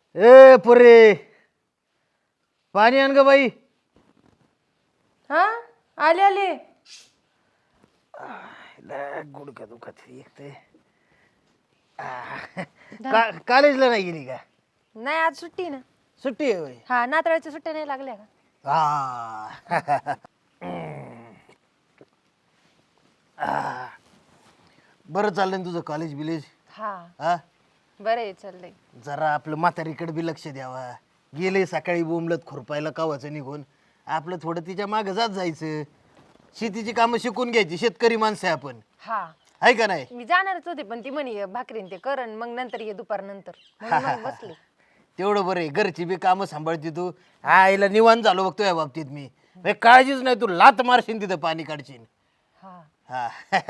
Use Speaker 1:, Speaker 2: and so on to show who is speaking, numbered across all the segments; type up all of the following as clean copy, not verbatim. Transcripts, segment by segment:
Speaker 1: ए पुरे पाणी आण ग बाई.
Speaker 2: हा आले आले.
Speaker 1: गुडघा दुखत एक ते कॉलेजला नाही गेली का?
Speaker 2: नाही आज सुट्टी ना.
Speaker 1: सुट्टी आहे होय?
Speaker 2: हा नाताळच्या सुट्ट्या नाही लागल्या का?
Speaker 1: बरं चाललंय ना तुझं कॉलेज बिलेज?
Speaker 2: हा
Speaker 1: हा
Speaker 2: बरं आहे चाललंय.
Speaker 1: जरा आपलं म्हातारीकडे बी लक्ष द्यावा. गेले सकाळी बोंबलत खुरपायला कावाचं निघून आपलं थोडं तिच्या मागं जात जायचं. शेतीची कामं शिकून घ्यायची. शेतकरी माणसं आहे आपण,
Speaker 2: हा
Speaker 1: आहे का नाही?
Speaker 2: मी जाणारच होते पण ती म्हणे भाकरीन ते करण मग नंतर ये दुपार नंतर म्हणून मग बसले.
Speaker 1: तेवढं बरं आहे. घरची बी कामं सांभाळते तू. आईला निवांत झालो बघतो या बाबतीत मी. काळजीच नाही, तू लात मारशील तिथं पाणी काढशील.
Speaker 2: हा
Speaker 1: हा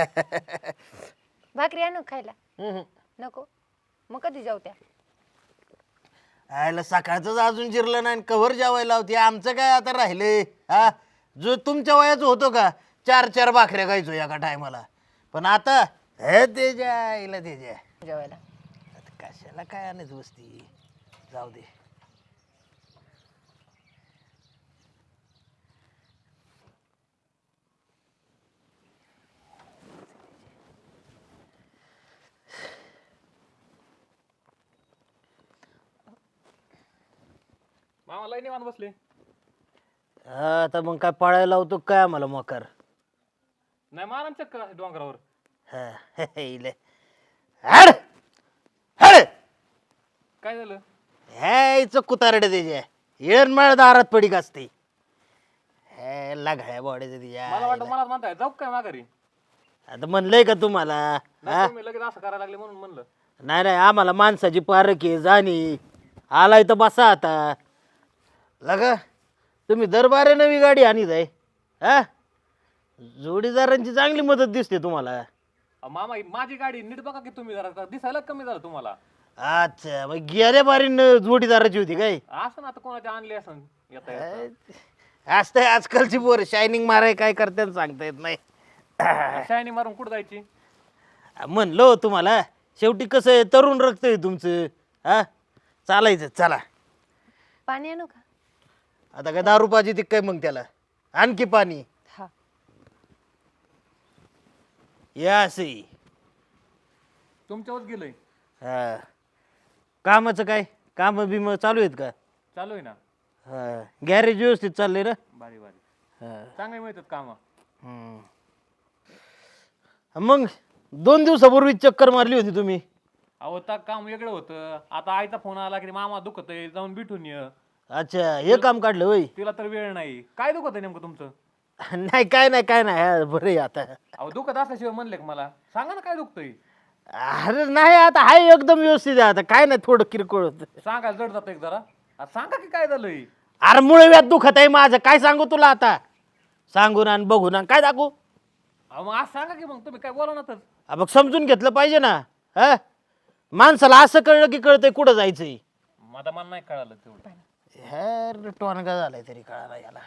Speaker 2: भाकरी आणू खायला? नको मग कधी जाऊ त्या?
Speaker 1: आयला सकाळचंच अजून जिरलं नाही, कव्हर जेवायला होती. आमचं काय आता राहिलंय? हा जो तुमच्या वयाचं होतो का 4-4 भाकऱ्या खायचो एका टायमाला, पण आता हे त्याच्या आईला त्याच्या
Speaker 2: जेवायला
Speaker 1: आता कशाला काय आणत बसती. जाऊ दे.
Speaker 3: मामा लय निवांत बसले.
Speaker 1: हा, आता मग काय पळायला लावतो काय आम्हाला मोकार?
Speaker 3: नाही मारा ना चक्कर अशी डोंगरावर.
Speaker 1: हा इले. हड हड
Speaker 3: काय झालं?
Speaker 1: ह्याचं कुतारडे त्याच्या येणमाळ दारात पडीक असते. हे लागाळ्या बॉडीचं
Speaker 3: मला वाटतं
Speaker 1: तिच्या.
Speaker 3: मलाच म्हणताय जाऊ काय माघारी?
Speaker 1: आता म्हणलंय का तुम्हाला?
Speaker 3: नाही तुम्ही लगेच असं करायला लागले म्हणून म्हणलं.
Speaker 1: नाही नाही, आम्हाला माणसाची पारख आहे जाणी. आलाय तर बसा आता. लगा तुम्ही दरबारे नवी गाडी आणीत आहे. हा जोडीदारांची चांगली मदत दिसते तुम्हाला.
Speaker 3: मामा ही माझी गाडी नीट बघा की तुम्ही जरा दिसायला कमी झालं तुम्हाला.
Speaker 1: अच्छा, मग गेल्या बारीन जोडीदाराची होती काय?
Speaker 3: असं ना आता कोणाच्या आणली असं येता येता.
Speaker 1: असतंय आजकालची पोर शायनिंग माराय काय करते सांगता येत नाही.
Speaker 3: शायनी मारून कुठं जायची?
Speaker 1: म्हणलो हो तुम्हाला, शेवटी कसं आहे तरुण रक्त आहे तुमचं. हा चालायचं चला.
Speaker 2: पाणी आणू का?
Speaker 1: आता काय दारू पाहिजे ती काय मग त्याला? आणखी पाणी
Speaker 2: हा
Speaker 1: या असे.
Speaker 3: तुमच्यावर गेलंय.
Speaker 1: हा कामाचं काय? काम बिम चालू आहेत का?
Speaker 3: चालू आहे ना.
Speaker 1: हा गॅरेज व्यवस्थित चाललंय ना?
Speaker 3: भारी भारी
Speaker 1: हा.
Speaker 3: चांगले मिळतात काम.
Speaker 1: हम्म. मग 2 दिवसापूर्वी चक्कर मारली होती तुम्ही.
Speaker 3: अहो तर काम वेगळं होतं. आता आईचा फोन आला की मामा दुखत आहे जाऊन भेटून ये.
Speaker 1: अच्छा, हे काम काढलं होय?
Speaker 3: तिला तर वेळ नाही. काय दुखत आहे नेमकं तुमचं?
Speaker 1: नाही काय नाही काय नाही, हा, बरं आहे आता.
Speaker 3: अहो दुखत असल्याशिवाय म्हणले का मला सांगा ना काय दुखतंय.
Speaker 1: अरे नाही, आता हाय एकदम व्यवस्थित आहे. आता काय नाही, थोडं किरकोळ होतं.
Speaker 3: सांगायला जड जातं एक जरा. आता सांगा की काय झालंय.
Speaker 1: अरे मुळव्यात दुखत आहे माझं, काय सांगू तुला आता? सांगून आणि बघून आणि काय दाखवू?
Speaker 3: अहो मग आज सांगा की मग तुम्ही काय बोला ना तर.
Speaker 1: मग समजून घेतलं पाहिजे ना. हा माणसाला असं कळलं की कळतंय कुठं जायचंय.
Speaker 3: आता मला नाही कळालं तेवढं.
Speaker 1: हे टोनगा झालाय तरी कळाला याला.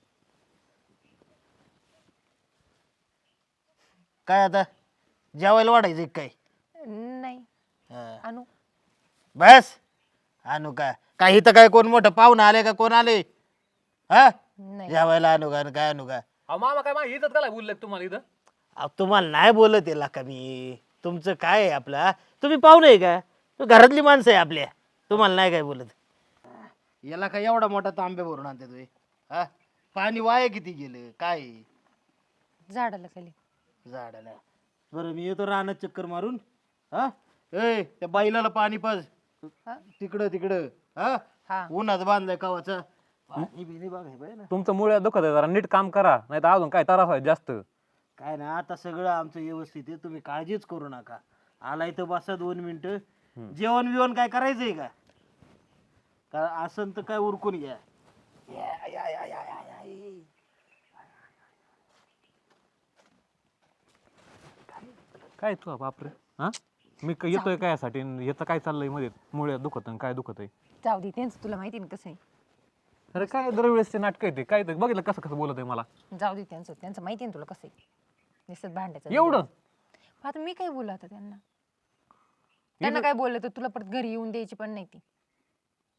Speaker 1: काय आता जेवायला वाढायचं काय?
Speaker 2: नाही
Speaker 1: हा.
Speaker 2: आणू?
Speaker 1: बस आणू का? काही तर काय कोण मोठं पाहुणं आले का कोण आले? हा
Speaker 2: नाही
Speaker 1: जेवायला आणू का? काय आणू का?
Speaker 3: अहो मामा काय माझी इथं काय बोलले तुम्हाला इथं?
Speaker 1: अहो, तुम्हाला नाही बोलत येला का मी? तुमचं काय आहे आपला? तुम्ही पाहुणे आहे का? तू घरातली माणसं आहे आपल्या, तुम्हाला नाही काय बोलत. याला काय एवढा मोठा तांबे भरून आणते तुम्ही? हा पाणी वाया किती गेलं काय?
Speaker 2: झाडाला खाली.
Speaker 1: झाडाला बरं मी येतो रानात चक्कर मारून. हा ए त्या बैलाला पाणी पाज
Speaker 2: हा?
Speaker 1: तिकडं तिकडं. हा
Speaker 2: हा
Speaker 1: उन्हात बांधलाय कवाचा. पाणी बिनी बघाय पाहिजे ना.
Speaker 3: तुमचं मुळे दुखत आहे जरा नीट काम करा नाही तर अजून काय त्रास व्हायचा जास्त.
Speaker 1: काय ना आता सगळं आमचं व्यवस्थित आहे, तुम्ही काळजीच करू नका. आलाय तर बसा 2 मिनिटं. जेवण बिवण काय करायचंय का? का असं तर काय उरकून घ्या. या, या, या, या, या, या.
Speaker 3: काय तू बापरे. हा मी येतोय काय यासाठी याचं काय चाललंय मध्ये मुळे दुखत आणि काय दुखत आहे.
Speaker 2: जाऊ दे त्यांचं तुला माहिती ना कसं आहे.
Speaker 3: अरे काय दरवेळेसचे नाटक येते काय ते बघितलं कसं कसं बोलत आहे मला.
Speaker 2: जाऊ दे त्यांचं त्यांचं माहिती आहे ना तुला कसं आहे. निसत भांडायचं
Speaker 3: एवढं
Speaker 2: आता मी काय बोलू आता त्यांना काय बोललं तर तुला परत घरी येऊन द्यायची पण नाही ती.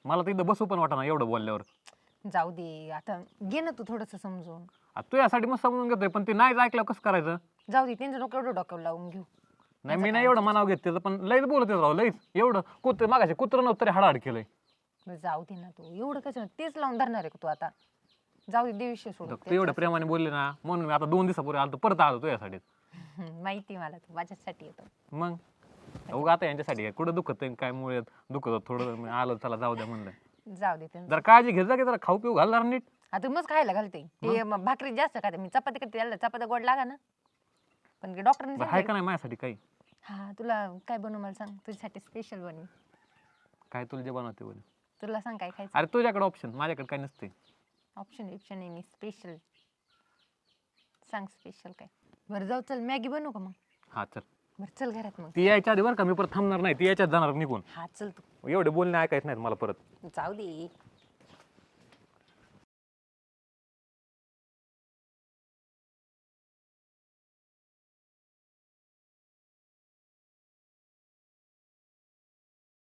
Speaker 3: मला तर इथं बसू पण वाटा ना एवढं बोलल्यावर.
Speaker 2: जाऊ दे आता, घे ना तू थोडस समजून.
Speaker 3: तू यासाठी मग समजून घेतोय पण ते नाहीच ऐकलं कसं करायचं.
Speaker 2: जाऊ दे, त्यांचं नको एवढं डोक्यावर लावून घेऊ.
Speaker 3: नाही मी नाही एवढं मनाव घेत त्याचं, पण लईच बोलत राव लईच. एवढं कुत्र मागाशी कुत्रं नव्हतं तरी हाडाहाड केलंय.
Speaker 2: बरं, जाऊ दे ना तू, एवढं कसं तेच लावून धरणार आहे का तू आता? जाऊ दे, दे विषय सोडून.
Speaker 3: तू एवढं प्रेमाने बोलले ना म्हणून मी आता 2 दिवसापूर्वी आलो परत आलो तू यासाठी.
Speaker 2: माहिती मला, तू माझ्यासाठी येतो.
Speaker 3: मग उगा आता यांच्यासाठी काय कुठं दुखत काय मुळे दुखत होतं थोडं, मी आलो चला जाऊ द्या म्हणलं.
Speaker 2: जाऊ दे त्यांचं.
Speaker 3: जरा काळजी घेत जा की जरा खाऊ पिऊ घालणार नीट.
Speaker 2: आता मग खायला घालते ते भाकरी जास्त खाते मी, चपाती करते, याला चपात्या गोड लागा ना. पण डॉक्टरने
Speaker 3: बरं, हाय का नाही माझ्यासाठी काही?
Speaker 2: हा, तुला काय बनवू मला सांग, तुझ्यासाठी स्पेशल बनवी.
Speaker 3: काय तुला जे बनवते बोल.
Speaker 2: तुला सांग काय खायचं.
Speaker 3: अरे तुझ्याकडे ऑप्शन, माझ्याकडे काय नसते.
Speaker 2: ऑप्शन आहे मी स्पेशल. सांग स्पेशल काय. बरं जाऊ, चल मॅगी बनवू का मग?
Speaker 3: हा चल.
Speaker 2: बरं चल घरात मग.
Speaker 3: ती यायच्या आधी बरं का, मी परत थांबणार नाही, ती यायच्यात जाणार निघून.
Speaker 2: हा चल तू.
Speaker 3: एवढे बोलणे ऐकायचं नाहीत मला परत.
Speaker 2: जाऊ दे.